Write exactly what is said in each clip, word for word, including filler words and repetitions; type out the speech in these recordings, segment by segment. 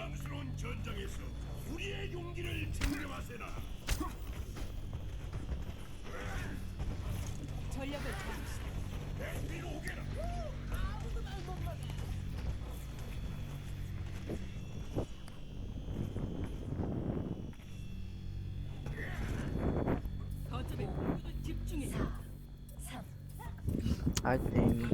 망스러운 전장에서 우리의 용기를 증명하세나. 전력을 다하시오. 뒤로 오게라. 거점에 모두 집중해. 아이템.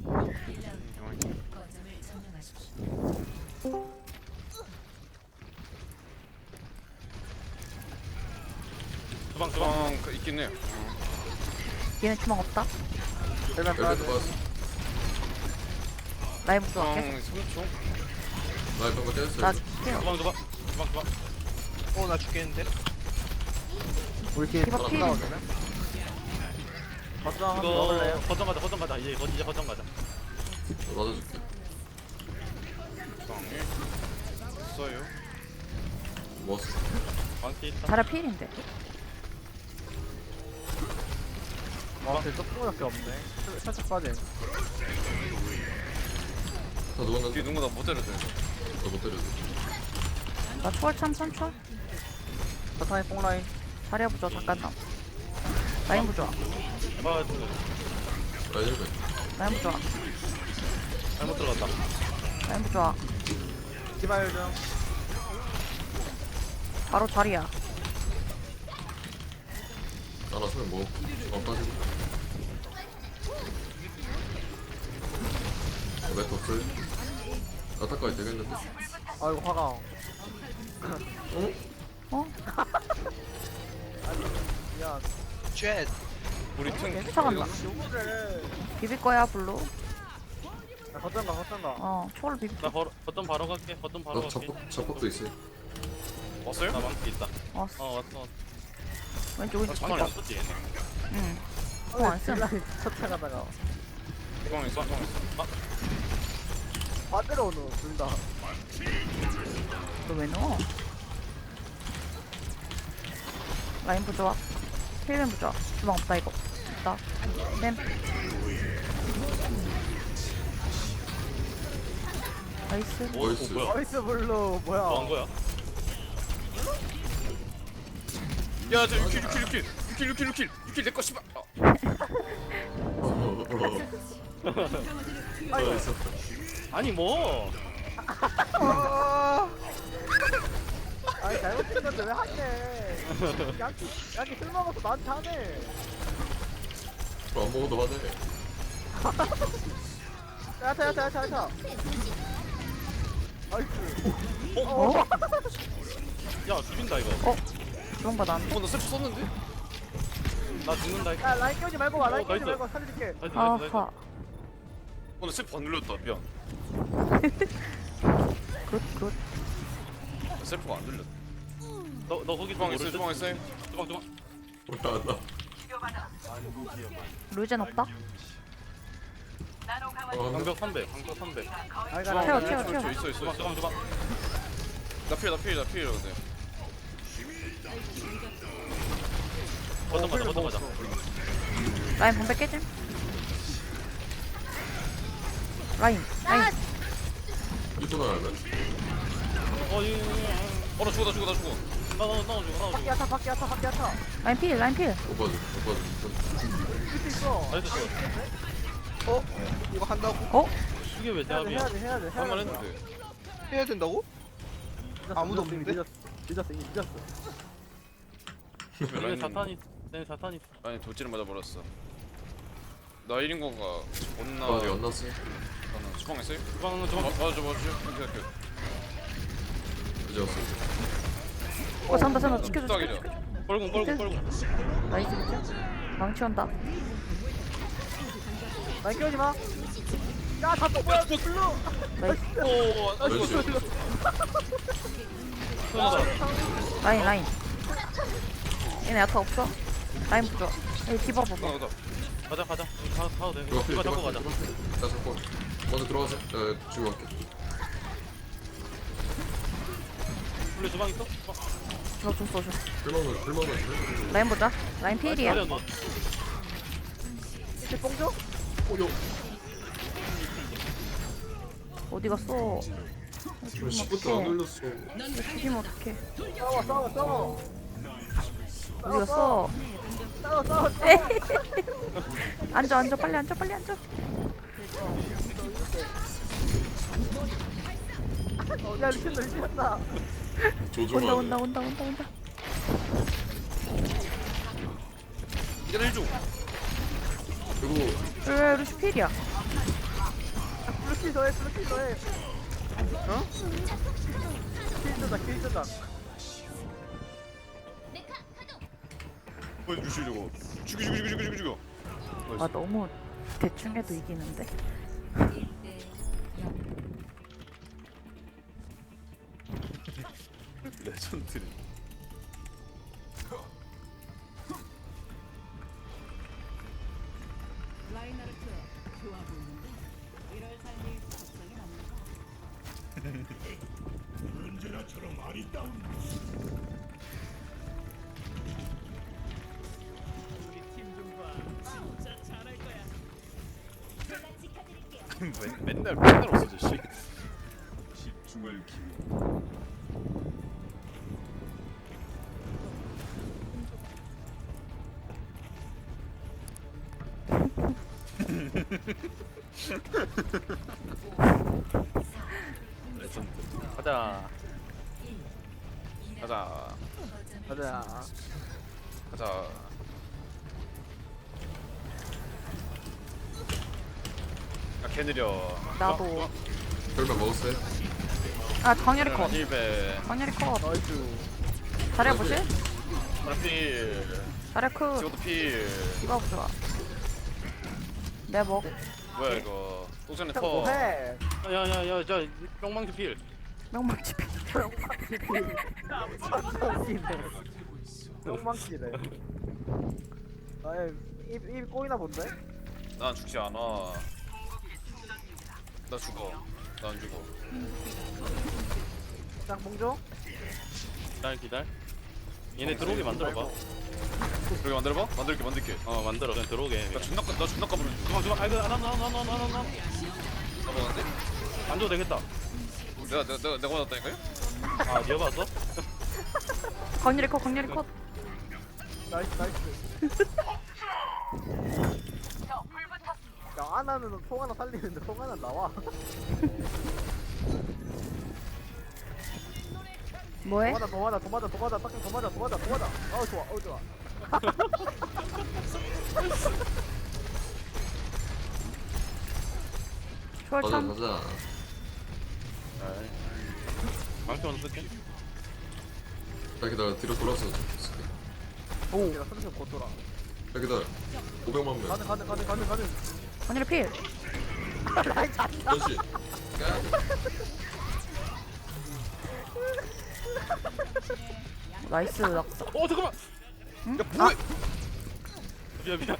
주방 주방 그 있긴 해요. 얘는 주먹 없다. 일단 빠져. 엘베도 봤어. 라이브 주방 좋아할게. 삼 초. 나 이런 거 깼어. 나 줄게요. 주방 주방 주방 주방. 어나 죽겠는데? 우리 팀 디바 필. 나오잖아. 버스 한번 이거 먹을래요? 거점 가자 거점 가자 이제 거 이제 거점 가자. 맞아줄게. 주방 있어요. 먹었어. 방치 있다. 자라 필인데. 아, 쟤 조금밖에 없네. 살짝 빠져. 다 누웠는데 뒤에 누구 나못 때려줘. 너못 때려줘. 나 초월 참 선초. 버튼에 뽕라인. 자리야 부좋아 잠깐만. 라인 부좋아. 아 라인 엘베. 라인 부좋아. 잘못 들어갔다. 라인 부좋아. 디바 요정. 바로 자리야. 나나 소면 먹어. 어 빠지고. 왜 덮을? 나타까지 되겠는데? 아이고 화가. 어? 아니 미안. 쉣 우리 팀 쫓아간다. 요거를. 비빌 거야 블루. 야, 거점 가 거점 가. 어 초월 비빌. 나 바로 거점 바로 갈게. 거점 바로 너 갈게. 잡폭 잡폭도 있어. 왔어요? 나 방치 있다. 어 어 왔어. 왔어. 왼쪽 나 왼쪽 방치 비벼. 안 썼지 얘네. 응. 어, 안 쓴. 쫓아가다가 주방 있어 주방 있어. 아 반대로 오노 둘 다. 너 왜 넣어? 라인 부좋아. 힐맨 부좋아. 주방 없다 이거. 없다. 램. 나이스. 오, 오 나이스. 뭐야? 나이스 블루 뭐야? 뭐 한 거야? 야저 육 킬 육 킬 육 킬 육 킬 육 킬 육 킬 육 킬 내거 씨발. 아이고. 아니 뭐? 아. 아니 잘못된 건데 왜 하네? 양키 양키 술 먹어서 나한테 하네. 안 먹어도 하네. 야타 야타 야타 야타. 아이스. 어? 야 죽인다 이거. 어? 주방 받았는데? 어나 세프 썼는데? 나 죽는다 이거. 야 라인 끼우지 말고 와 라인 어, 끼우지 나이스. 말고 살려줄게. 나이스 나이스 나이스. 아하. 어나 세프 안 눌렀다 미안. 굿 굿. 나 세프가 안 눌렸다. 너너 거기 주방 있어요? 주방 있어요? 주방 주방. 뭐야 나. 루젠 없다? 어, 방벽 삼백 방벽 삼백. 아이 태워, 가라. 태워, 태워. 있어 있어 있어. 주방 주방. 나필나 필 나 필 근데. 거점 가자 거점 가자. 라인 방백 깨짐? 라인 라인. 이거 나야 어 이. 어나 죽어 나 죽어 나 죽어. 나나 나 죽어 나 밖에 죽어. 야타 밖에 야타 밖에 야타. 라인 필 라인 필. 못 봐줘 못 봐줘. 할수 있어. 나이스 죽어. 어? 이거 한다고? 어? 이게 왜 해야 돼 대합이야? 해야 돼 해야 돼. 해야 할만 돼. 했는데. 해야 된다고? 늦었어, 아무도 늦었어, 없는데? 늦었어 늦었어 이미 늦었어. 내 자탄이 내 자탄이. 아니 돌진을 맞아 버렸어. 나 일 인공가 존나. 아 연 났어. 나는 주방 있어요? 주방 주방 맞아 맞아. 오케이 오케이. 이제 왔어. 어 산다 산다 지켜줘 딱이죠. 지켜줘. 뻘궁 뻘궁 뻘궁. 나이스 비켜. 망치 온다. 라인 끼우지 마. 야 잡고 뭐야 블루. 나이스. 오, 나 나이스. 죽어 죽어. 쏘다. 라인 라인. 얘네 야타 없어? 라인 부좋아. 여기 디바 봐봐. 가자 가자 가자. 가 가도 돼. 들어갈게 이거 잡고 가자. 나 잡고. 먼저 들어가서 나 지금 갈게. 원래 주방 있어? 주방. 저 줬어 줬어. 불만은 불만은. 라인 보자. 라인 필이야. 자리야, 너. 이제 뽕줘? 어여. 어디 갔어? 왜 시프트 안 눌렀어? 죽이면 어떡해. 싸워 싸워 싸워 우리가 써. 싸워 싸워 앉아, 앉아, 빨리 앉아, 빨리 앉아. 어, 야 미친다 미친다 조종하네. 온다, 온다, 온다, 온다, 온다. 이거 해줘. 그리고 왜 루시 필이야? 블루키 더해 블루키 더해 어? 킬 조작 킬 조작 뭐 루시 저거. 죽여 죽여 죽여 죽여 죽여 죽여. 아, 너무 대충 해도 이기는데. 레전드리. 라인하르트 좋아 보이는데 이럴 삶이 적성에 맞는 언제나처럼 아리따운 진짜 잘할 거야. 맨, 맨날 맨날 없어져 씨. 집중을 기울 레전드. 가자. 가자. 가자 가자. 아, 개 느려. 나도. 별명 먹었어요? 아, 광열이 컷. 힐베. 광열이 컷. 나이스 잘해보실? 필. 잘해, 크. 지금도 필. 이거 좋아. 내 먹. 뭐야 이거. 또전에 형 터. 뭐해 야야야 저 뿅망치 필. 명망치 필. 똥망치네 아예 입, 입 꼬이나 본데? 난 죽지 않아. 나 죽어. 나 안 죽어. 짱봉조? 기다려 기다려 얘네 들어오게 만들어봐 그렇게 만들어봐? 만들게 만들게. 어 만들어 그냥 들어오게 나 존나 까- 나 존나 까불어줄게. 그만 그만 아이고 안안안안안안안 까먹었는데? 안 줘도 되겠다 내가 내가 내가 내가 받았다니까요? 아 니가 봤어? 광열이 컷, 광열이 컷. 나이스 나이스 야 아나는 송 하나 살리는데 송 하나 나와 뭐해? 더 맞아 더 맞아 더 맞아 더 맞아 딱히 더 맞아 더 맞아 더 맞아 어우 좋아 어우 좋아 가자 초월참. 가자. 망치 먼저 쓸게 자 기다려 뒤로 돌아서 쓸게. 오 내가 선수 곧 돌아 자 기다려. 오백만 명. 가능 가능 가능 가능 가능 광열이 필. 전시. 나이스, 낙사. 어 잠깐만 응? 야 뭐해 미안 미안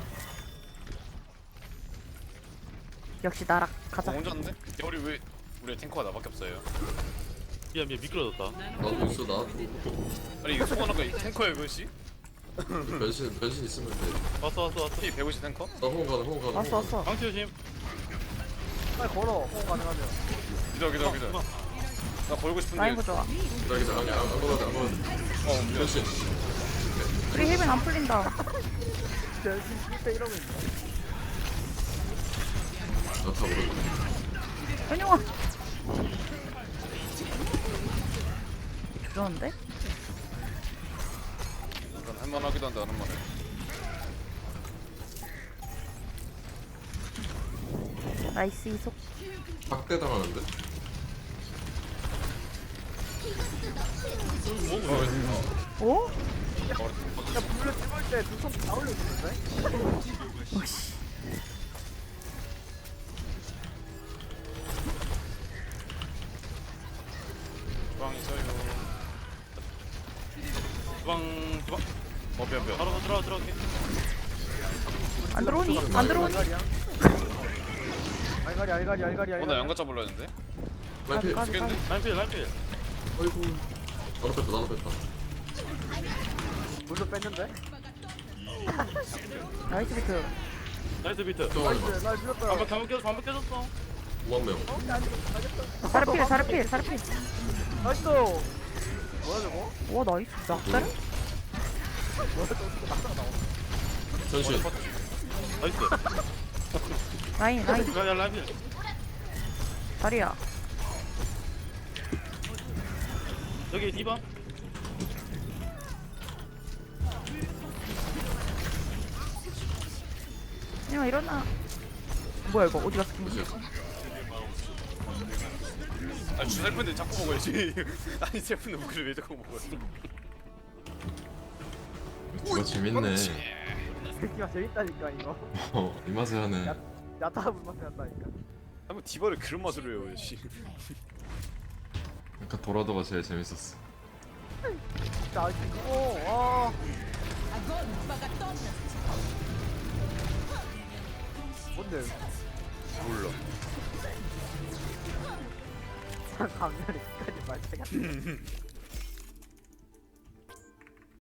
역시 나락. 가자. 어, 혼자 왔는데? 야, 우리 왜 우리 탱커가 나밖에 없어요. 미안 미안 미끄러졌다 나도 있어 나도. 아니 이거 소원아까 탱커야 이것이? 변신 변신 있으면 돼. 왔어 왔어 왔어 P 백오십 탱커? 나 호응 가능 호응 가능. 왔어, 왔어. 망치 조심 빨리 걸어 호응 가능하면 기다려 기다려 기다려. 나 걸고 싶은데. 라인 보자. 기다려 기다려. 아니 안 걸어도 돼, 안 걸어도 돼. 어 미안. 변신. 우리 힐빈 안 풀린다. 변신 실패 이러고 있네 나다 모르고. 현영아. 그러는데? 약간 할만하기도 한데 안 할만해. 나이스 이속. 박대 당하는데? 오? 야 불을 찍을 때 두 손 다 올려주는데? 오씨. 주방 있어요. 주방 주방 어 미안 미안. 바로 들어가 들어갈게 안 들어오니? 안 들어오니? 알갈이야 알갈이 알갈이 알갈이 어나 알갈이 양가차 불러야 되는데? 라이피. 까비, 까비. 라인필 라인필 아이고. 나도 뺐다 나도 뺐다. 물도 뺐는데? 나이스 비트. 나이스 비트 또 하지 마. 나이스 날 밀었다 반박 잘못 깨졌어 반박 깨졌어 오만 명. 자르 필 자르 필 자르 필. 나이스. 뭐야 저거? 와 나이스 낙자를? 뭐야 저거 낙사가 나와. 전신. 나이스. 라인 라인 야, 야, 라이브. 자리야. 여기 디바. 야 일어나. 뭐야 이거 어디 갔어? 전신. 아 셀프인데 자꾸 먹어야지. 아니 셀프인데 무기를 왜 자꾸 먹어요? 이거 재밌네. 새끼가 재밌다니까 이거. 어, 이 맛에 하네. 야타 불맛이 난다니까. 아뭐 디바를 그런 맛으로 해요, 씨. 아까 도라도가 제일 재밌었어. 진짜 아직 그거. 와. 뭔데? 몰라. 강렬히 끝까지 말대가.